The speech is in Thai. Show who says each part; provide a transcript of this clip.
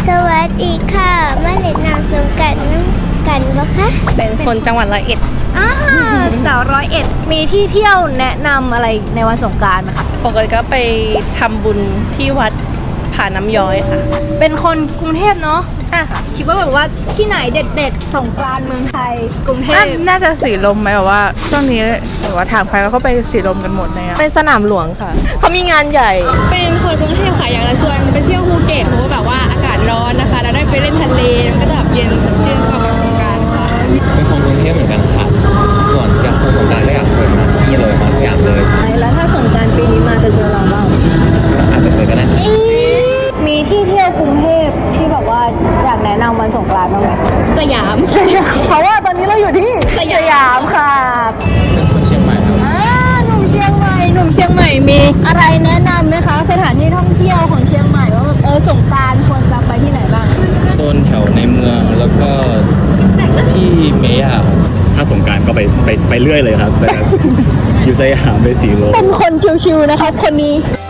Speaker 1: สวัสดีค่ะมาเล่นน้ำสงกรานต์น้ำกันบ่คะ
Speaker 2: เป็นคนจังหวัดร้อยเอ็ด
Speaker 3: สาว101มีที่เที่ยวแนะนำอะไรในวันสงกรานต์ไหมคะ
Speaker 2: ปกติก็ไปทำบุญที่วัดผาน้ำย้อยค่ะ
Speaker 3: เป็นคนกรุงเทพเนาะคิดว่าแบบว่าที่ไหนเด็ดๆสงกรานต์เมืองไทยกรุงเทพ
Speaker 4: น่าจะสีลมไหมแบบว่าช่วงนี้แบบว่าถามใครก็ไปสีลมกันหมดเลยอะ
Speaker 2: ไปสนามหลวงค่ะ เขามีงานใหญ่
Speaker 5: เป็นคนกรุงเทพค่ะอยากจะชวนไปเที่ยวภูเก็ตเพราะว่าแบบว่าอากาศร้อนนะคะแล้วได้ไปเล่นทะเลมันก็จะแบบเย็นสดชื่นเข้ากับสงกรานต์ค่ะ
Speaker 6: เป็นคนกรุงเทพเหมือนกันค่ะ ส่วนอยากไปสงกรานต์ก็อยากชวนมาที่นี่เลยมาสยามเลย
Speaker 3: แล้วถ้าสงกรานต์ปีนี้มาจะเจอเราบ้าง
Speaker 6: อาจจะเจอกันได้
Speaker 3: มีที่เที่ยวกรุงเทพที่แบบว่าอยากแนะนำวันสงกรานต์บ้างไหม
Speaker 5: สยาม
Speaker 3: เพราะว่าตอนนี้เราอยู่ที่สยามค่ะ
Speaker 6: เป็นคนเชียงใหม่ครับ
Speaker 3: หนุ่มเชียงใหม่มีอะไรแนะนำไหมคะสถานที่ท่องเที่ยวของเชียงใหม่ว่าแบบสงกรานต์ควรจะไปที่ไหนบ้าง
Speaker 6: โซนแถวในเมืองแล้วก็ที่เมย่าถ้าสงกรานต์ก็ไปเรื่อยเลยครับแต่อยู่สยามไปสีลม
Speaker 3: เป็นคนชิวๆนะครับคนนี้